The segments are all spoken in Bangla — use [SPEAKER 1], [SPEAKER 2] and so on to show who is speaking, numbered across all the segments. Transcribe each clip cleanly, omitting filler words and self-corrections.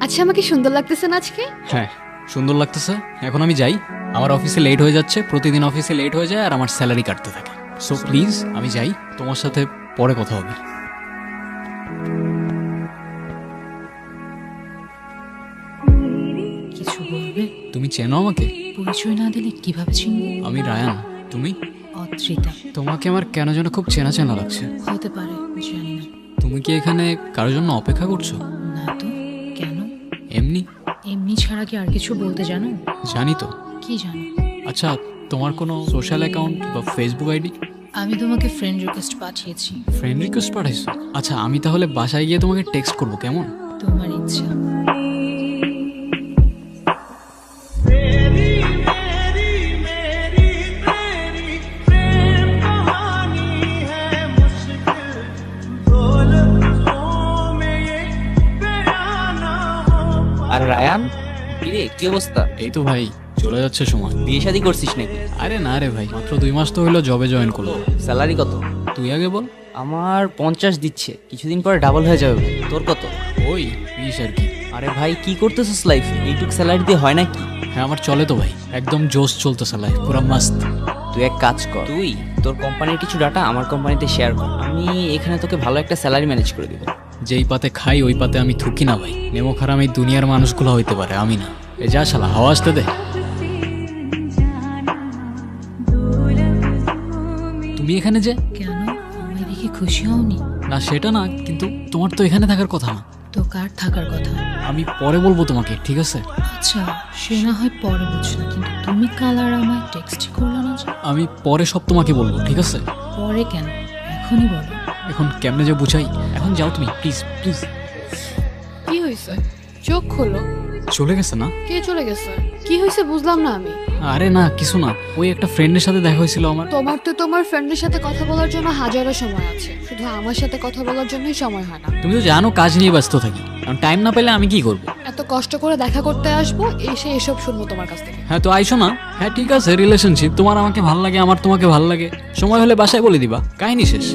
[SPEAKER 1] আচ্ছা, আমাকে সুন্দর লাগতেছে না আজকে?
[SPEAKER 2] হ্যাঁ সুন্দর লাগতেছে। এখন আমি যাই, আমার অফিসে লেট হয়ে যাচ্ছে, প্রতিদিন অফিসে লেট হয়ে যায় আর আমার স্যালারি কাটতে থাকে। সো প্লিজ আমি যাই, তোমার সাথে পরে কথা হবে।
[SPEAKER 3] কিছু বলবে?
[SPEAKER 2] তুমি চেনো আমাকে?
[SPEAKER 3] পরিচয় না দিলে কিভাবে চিনবো?
[SPEAKER 2] আমি রায়ান, তুমি?
[SPEAKER 3] অদ্রিতা।
[SPEAKER 2] তোমাকে আমার কেন যেন খুব চেনা চেনা লাগছে।
[SPEAKER 3] হতে পারে, জানি না।
[SPEAKER 2] তুমি কি এখানে কারোর জন্য অপেক্ষা করছো?
[SPEAKER 3] না তো, কেন?
[SPEAKER 2] এমনি।
[SPEAKER 3] এমনি ছাড়া কি আর কিছু বলতে জানো?
[SPEAKER 2] জানি তো।
[SPEAKER 3] কি জানো?
[SPEAKER 2] আচ্ছা, তোমার কোনো সোশ্যাল অ্যাকাউন্ট বা ফেসবুক আইডি?
[SPEAKER 3] আমি তোমাকে ফ্রেন্ড রিকোয়েস্ট পাঠিয়েছি।
[SPEAKER 2] ফ্রেন্ড রিকোয়েস্ট পাঠাইছো? আচ্ছা, আমি তাহলে বাসায় গিয়ে তোমাকে টেক্সট করবো, কেমন?
[SPEAKER 3] তোমার ইচ্ছা।
[SPEAKER 4] আর রায়ান, কিরে কি অবস্থা?
[SPEAKER 2] এই তো ভাই, চলে যাচ্ছে সময়।
[SPEAKER 4] বিয়ে শাদী করছিস নাকি?
[SPEAKER 2] আরে না রে ভাই, মাত্র 2 মাস তো হইলো জবে জয়েন করলো।
[SPEAKER 4] স্যালারি কত?
[SPEAKER 2] তুই আগে বল।
[SPEAKER 4] আমার 50 দিচ্ছে, কিছুদিন পরে ডাবল হয়ে যাবে ভাই। তোর কত?
[SPEAKER 2] ওই 20 আর কি।
[SPEAKER 4] আরে ভাই কি করতেছিস লাইফ? এইটুক স্যালারি দিয়ে হয় নাকি?
[SPEAKER 2] হ্যাঁ আমার চলে তো ভাই, একদম জোশ চলতেছে লাইফ, পুরো মাস্ত।
[SPEAKER 4] তুই এক কাজ কর, তুই তোর কোম্পানির কিছু ডাটা আমার কোম্পানিতে শেয়ার কর, আমি এখানে তোকে ভালো একটা স্যালারি ম্যানেজ করে দিব।
[SPEAKER 2] যেই পাতে খাই ওই পাতে আমি থুকি না ভাই। নেমো খারাপ এই দুনিয়ার মানুষগুলো হইতে পারে, আমি না। এ যা শালা, হাওয়া আসতে দে। তুমি এখানে যে?
[SPEAKER 3] কেন, আমায় দেখে খুশি হওনি?
[SPEAKER 2] না সেটা না, কিন্তু তোমার তো এখানে থাকার কথা না।
[SPEAKER 3] তো কার থাকার কথা?
[SPEAKER 2] আমি পরে বলবো তোমাকে, ঠিক আছে?
[SPEAKER 3] আচ্ছা, সে না হয় পরে বুঝলাম, কিন্তু তুমি কাল আর আমায় টেক্সট করলে না যে?
[SPEAKER 2] আমি পরে সব তোমাকে বলবো, ঠিক আছে?
[SPEAKER 3] পরে কেন, এখনই বলো।
[SPEAKER 2] এখন কেমনে যে বুঝাই, এখন যাও তুমি প্লিজ প্লিজ।
[SPEAKER 1] কি হয়েছে? চোখ খোলো।
[SPEAKER 2] চলে গেছে না?
[SPEAKER 1] কে চলে গেছে? কি হয়েছে বুঝলাম না আমি।
[SPEAKER 2] আরে না কিছু না, ওই একটা ফ্রেন্ডের সাথে দেখা হয়েছিল আমার।
[SPEAKER 1] তোমার তো তোমার ফ্রেন্ডের সাথে কথা বলার জন্য হাজারো সময় আছে, শুধু আমার সাথে কথা বলার জন্যই সময় হয় না।
[SPEAKER 2] তুমি তো জানো কাজ নিয়ে ব্যস্ত থাকি, কারণ টাইম না পেলে আমি কি করব?
[SPEAKER 1] এত কষ্ট করে দেখা করতে আসবো, এসে এসব শুনবো তোমার কাছ থেকে।
[SPEAKER 2] হ্যাঁ তো আইসো না। হ্যাঁ ঠিক আছে, রিলেশনশিপ, তোমার আমাকে ভাল লাগে, আমার তোমাকে ভাল লাগে, সময় হলে বাসায় বলে দিবা, কাহিনী শেষ।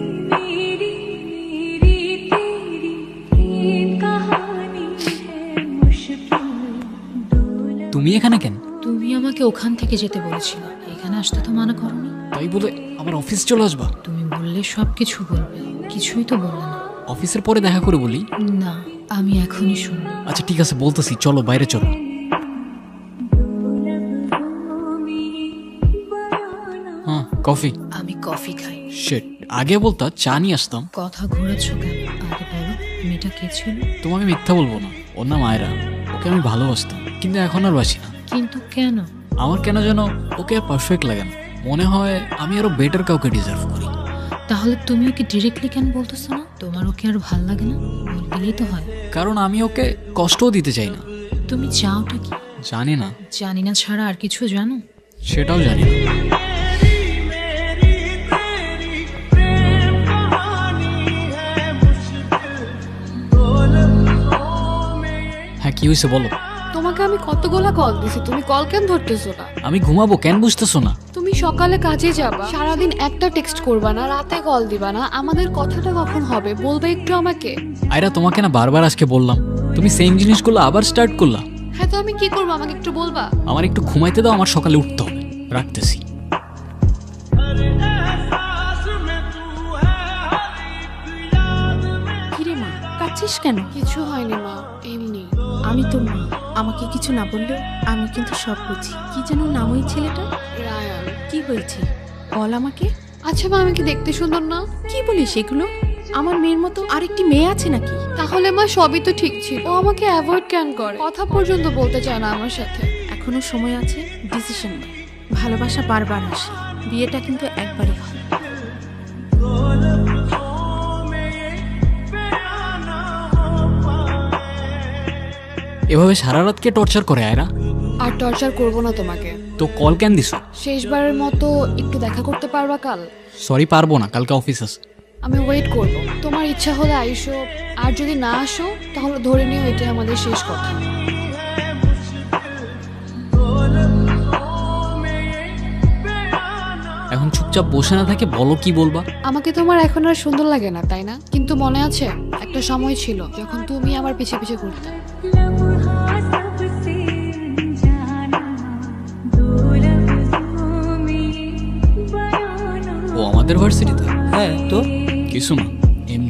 [SPEAKER 2] তুমি এখানে কেন?
[SPEAKER 3] তুমি আমাকে ওখান থেকে যেতে বলেছিলে, এখানে আসতে তো মানা করনি।
[SPEAKER 2] তাই বলে আমার অফিস চলে আসবা?
[SPEAKER 3] তুমি বললে সব কিছু বলবে, কিছুই তো বললে না।
[SPEAKER 2] অফিসের পরে দেখা করে বলি।
[SPEAKER 3] না, আমি এখনই শুনবো।
[SPEAKER 2] আচ্ছা ঠিক আছে বলতেছি, চলো বাইরে চলো। হ্যাঁ কফি।
[SPEAKER 3] আমি কফি খাই।
[SPEAKER 2] শিট, আগে বলতা চা নিয়ে আসতাম।
[SPEAKER 3] কথা ঘোরাচ্ছ কেন, আগে বলো মেয়েটা কে ছিল?
[SPEAKER 2] তোমাকে মিথ্যা বলবো না, ওর নাম আয়রা। ওকে আমি ভালোবাসতাম, কিন্তু এখন আর বাসি না।
[SPEAKER 3] কিন্তু কেন?
[SPEAKER 2] আমার কেন যেন ওকে আর পারফেক্ট লাগে না, মনে হয় আমি আরো বেটার কাউকে ডিজার্ভ করি।
[SPEAKER 3] তাহলে তুমি ওকে ডিরেক্টলি কেন বলতেছো না? তোমার ওকে আর ভাল লাগে না? বললেই তো হয়।
[SPEAKER 2] কারণ আমি ওকে কষ্টও দিতে চাই না।
[SPEAKER 3] তুমি চাওটা কি?
[SPEAKER 2] জানি না।
[SPEAKER 3] জানি না ছাড়া আর কিছু জানো?
[SPEAKER 2] সেটাও জানি না। হ্যাঁ কি হয়েছে বলো।
[SPEAKER 1] তোমাকে আমি কতগুলা কল দিছি, তুমি কল কেন ধরতেছো না?
[SPEAKER 2] আমি ঘুমাবো, কেন বুঝতেছো না?
[SPEAKER 1] তুমি সকালে কাজে যাবা, সারাদিন একটা টেক্সট করবা না, রাতে কল দিবা না, আমাদের কথাটা কখন হবে বলবে একটু আমাকে।
[SPEAKER 2] আয়রা তোমাকে না বারবার আজকে বললাম, তুমি সেম জিনিসগুলো আবার স্টার্ট করলা।
[SPEAKER 1] হ্যাঁ তো আমি কি করবো, আমাকে একটু বলবা?
[SPEAKER 2] আমার একটু ঘুমাইতে দাও, আমার সকালে উঠতে হবে। রাখতেছি।
[SPEAKER 5] কিরে মা, কাঁদছিস কেন?
[SPEAKER 1] কিছু হয়নি মা, এমনি।
[SPEAKER 5] আমি তো মা, আমাকে কিছু না বললেও আমি কিন্তু সব বুঝি। কি যেন নাম ওই ছেলেটা?
[SPEAKER 1] রায়ান।
[SPEAKER 5] কি হয়েছে বল আমাকে।
[SPEAKER 1] আচ্ছা মা, আমি কি দেখতে সুন্দর না?
[SPEAKER 5] কি বলিস এগুলো? আমার মেয়ের মতো আরেকটি মেয়ে আছে নাকি?
[SPEAKER 1] তাহলে মা সবই তো ঠিক ছিল, ও আমাকে অ্যাভয়েড কেন করে, কথা পর্যন্ত বলতে চায় না আমার সাথে।
[SPEAKER 5] এখনো সময় আছে, ডিসিশন নে। ভালোবাসা বারবার আসে, বিয়েটা কিন্তু একবারই হয়।
[SPEAKER 2] এভাবে সারা রাত কে টর্চার করে আয়রা?
[SPEAKER 1] আর টর্চার করবো না তোমাকে।
[SPEAKER 2] তো কল কেন দিছো?
[SPEAKER 1] শেষবারের মতো একটু দেখা করতে পারবা কাল?
[SPEAKER 2] সরি পারবো না, কালকে অফিস আছে।
[SPEAKER 1] আমি ওয়েট করব, তোমার ইচ্ছা হলে আইসো, আর যদি না আসো তাহলে ধরে নিও এটাই আমাদের শেষ কথা।
[SPEAKER 2] এখন চুপচাপ বসে না থাকে বলো কি বলবা।
[SPEAKER 1] আমাকে তোমার এখন আর সুন্দর লাগে না তাই না? কিন্তু মনে আছে একটা সময় ছিল যখন তুমি আমার পিছে পিছে ঘুরতে।
[SPEAKER 2] আমাদের ভার্সিটিতে?
[SPEAKER 4] হ্যাঁ তো
[SPEAKER 2] কিছু না, এমনি।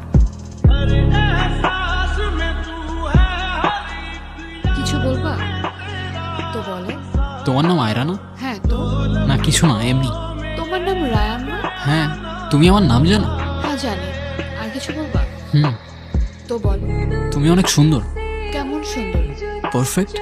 [SPEAKER 1] কিছু বলবা তো বলো।
[SPEAKER 2] তোমার নাম আয়রা না?
[SPEAKER 1] হ্যাঁ তো।
[SPEAKER 2] না কিছু না, এমনি।
[SPEAKER 1] তোমার নাম রায়ান না?
[SPEAKER 2] হ্যাঁ, তুমি আমার নাম জানো?
[SPEAKER 1] হ্যাঁ জানি। আর কিছু বলবা
[SPEAKER 2] হুম,
[SPEAKER 1] তো বলো।
[SPEAKER 2] তুমি অনেক সুন্দর।
[SPEAKER 1] কেমন সুন্দর?
[SPEAKER 2] পারফেক্ট।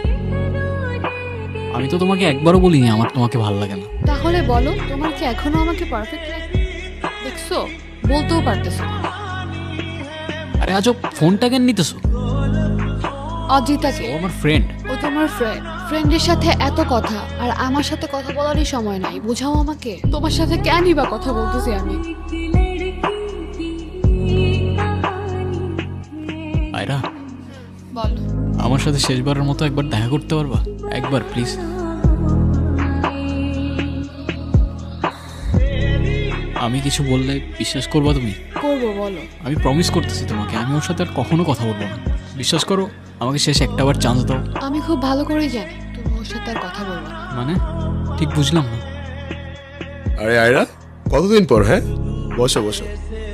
[SPEAKER 2] আমি তো তোমাকে একবারও বলিনি আমার তোমাকে ভালো লাগে না।
[SPEAKER 1] তাহলে বলো, তোমার কি এখনো আমাকে পারফেক্ট লাগে? দেখছো, বলতেও পারতেছো না।
[SPEAKER 2] আরে আজব, ফোনটা কেন নিতেছো?
[SPEAKER 1] অজিতাকে।
[SPEAKER 2] ও আমার ফ্রেন্ড।
[SPEAKER 1] ও তোমার ফ্রেন্ড। ফ্রেন্ডের সাথে এত কথা, আর আমার সাথে কথা বলারই সময় নাই, বোঝাও আমাকে। তোমার সাথে কেনই বা কথা বলতেছি আমি?
[SPEAKER 2] আয়রা,
[SPEAKER 1] বলো।
[SPEAKER 2] আমার সাথে শেষবারের মতো একবার দেখা করতে পারবা? একবার প্লিজ। আমি কিছু বললে বিশ্বাস করবা তুমি?
[SPEAKER 1] করবো, বলো।
[SPEAKER 2] আমি প্রমিস করতেছি তোমাকে, আমি ওর সাথে আর কখনো কথা বলবো না। বিশ্বাস করো, আমাকে শেষ একটাবার চান্স দাও।
[SPEAKER 1] আমি খুব ভালো করেই জানি তুমি ওর সাথে আর কথা বলবো না।
[SPEAKER 2] মানে ঠিক বুঝলাম না।
[SPEAKER 6] আরে আয়রা, কতদিন পর? হ্যাঁ, বসো বসো।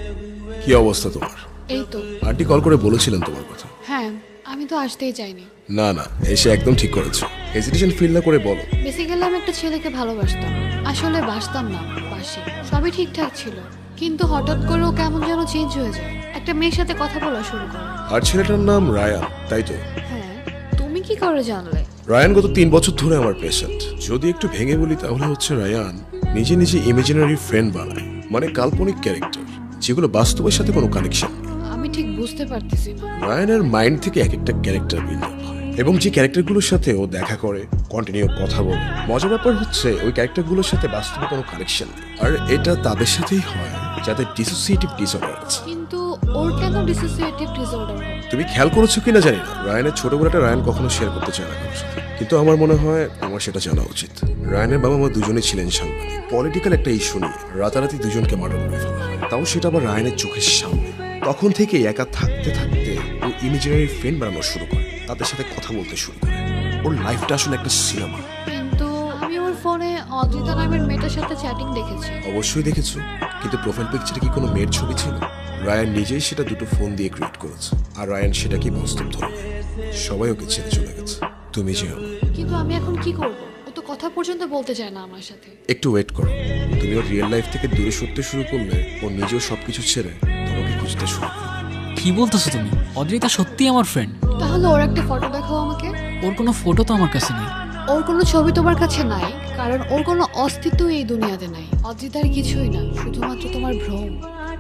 [SPEAKER 6] কি অবস্থা তোমার?
[SPEAKER 1] এই তো।
[SPEAKER 6] আন্টি কল করে বলেছিলেন তোমার কথা।
[SPEAKER 1] হ্যাঁ, আমি তো আসতেই চাইনি।
[SPEAKER 6] না না, এসে একদম ঠিক করেছো। হেজিটেশন ফিল না করে বলো।
[SPEAKER 1] বেসিক্যালি আমি একটা ছেলেকে ভালোবাসতাম। আসলে বাসতাম না, বাসি। সবই ঠিকঠাক ছিল, কিন্তু হঠাৎ করে ও কেমন যেন চেঞ্জ হয়ে যায়। একটা মেয়ের সাথে কথা বলা শুরু করে।
[SPEAKER 6] আর ছেলেটার নাম রায়ান, তাই তো?
[SPEAKER 1] হ্যাঁ, তুমি কি করে জানলে?
[SPEAKER 6] রায়ান গত 3 বছর ধরে আমার পেশেন্ট। যদি একটু ভেঙে বলি তাহলে হচ্ছে রায়ান নিজে নিজে ইমাজিনারি ফ্রেন্ড বানায়, মানে কাল্পনিক ক্যারেক্টার, যেগুলো বাস্তবের সাথে কোনো কানেকশন।
[SPEAKER 1] আমি ঠিক বুঝতে পারতেছি না।
[SPEAKER 6] রায়ানের মাইন্ড থেকে এক একটা ক্যারেক্টার বিল্ড আপ হয়, এবং যে ক্যারেক্টারগুলোর সাথে ও দেখা করে, কন্টিনিউ কথা বলে। মজার ব্যাপার হচ্ছে ওই ক্যারেক্টারগুলোর সাথে বাস্তবে কোনো কানেকশন নেই। আর এটা তাদের সাথেই হয় যাদের ডিসোসিয়েটিভ ডিসঅর্ডার আছে।
[SPEAKER 1] কিন্তু ওর কেন ডিসোসিয়েটিভ ডিসঅর্ডার হবে?
[SPEAKER 6] তুমি খেয়াল করেছো কিনা জানি না, রায়ানের ছোটবেলাটা রায়ান কখনো শেয়ার করতে চায় না কারোর সাথে, কিন্তু আমার মনে হয় আমার সেটা জানা উচিত। রায়ানের বাবা মা দুজনেই ছিলেন সাংবাদিক। পলিটিক্যাল একটা ইস্যু নিয়ে রাতারাতি দুজনকে মার্ডার করে ফেলা হয়, তাও সেটা আবার রায়ানের চোখের সামনে। তখন থেকে একা থাকতে থাকতে ও ইমেজিনারি ফ্রেন্ড বানানো শুরু করে, তাদের সাথে কথা বলতে শুরু করে। ওর লাইফটা আসলে একটা সিনেমা।
[SPEAKER 1] কিন্তু আমি ওর ফোনে অদ্রিতা নামের মেয়েটার সাথে চ্যাটিং দেখেছি।
[SPEAKER 6] অবশ্যই দেখেছো, কিন্তু প্রোফাইল পিকচারে কি কোনো মেয়ের ছবি ছিল? রায়ান নিজেই সেটা দুটো ফোন দিয়ে ক্রিয়েট করেছে, আর রায়ান সেটাকে বাস্তব ধরে নেয়। সবাই ওকে ছেড়ে চলে গেছে, তুমি যেও।
[SPEAKER 1] কিন্তু আমি এখন কি করব? ও তো কথা পর্যন্ত বলতে চায় না আমার সাথে।
[SPEAKER 6] একটু ওয়েট করো, তুমি ওর রিয়েল লাইফ থেকে দূরে সরতে শুরু করলে ও নিজেও সবকিছু ছেড়ে তোমাকে খুঁজতে শুরু করবে।
[SPEAKER 2] কি বলতেছো তুমি? অদ্রিতা সত্যি আমার ফ্রেন্ড।
[SPEAKER 1] তাহলে ওর একটা ফটো দেখাও আমাকে।
[SPEAKER 2] ওর কোনো ফটো তো আমার কাছে নেই।
[SPEAKER 1] ওর কোনো ছবি তোমার কাছে নাই, কারণ ওর কোনো অস্তিত্ব এই দুনিয়াতে নাই। অদ্রিতার কিছুই না, শুধুমাত্র তোমার ভ্রম।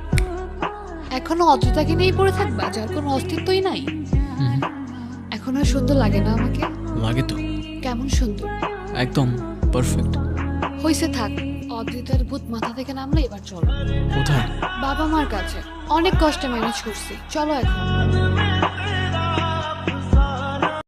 [SPEAKER 1] এখনো অদ্রিতাকে নিয়েই পড়ে থাকবা, যার কোনো অস্তিত্বই নাই।
[SPEAKER 2] হুম,
[SPEAKER 1] এখন আর সুন্দর লাগে না আমাকে?
[SPEAKER 2] লাগে তো।
[SPEAKER 1] কেমন সুন্দর!
[SPEAKER 2] একদম পারফেক্ট।
[SPEAKER 1] হইছে, থাক। অদ্রিতার ভূত মাথা থেকে নামলে এবার চলো।
[SPEAKER 2] কোথায়?
[SPEAKER 1] বাবা মার কাছে। অনেক কষ্টে ম্যানেজ করছি, চলো এখন।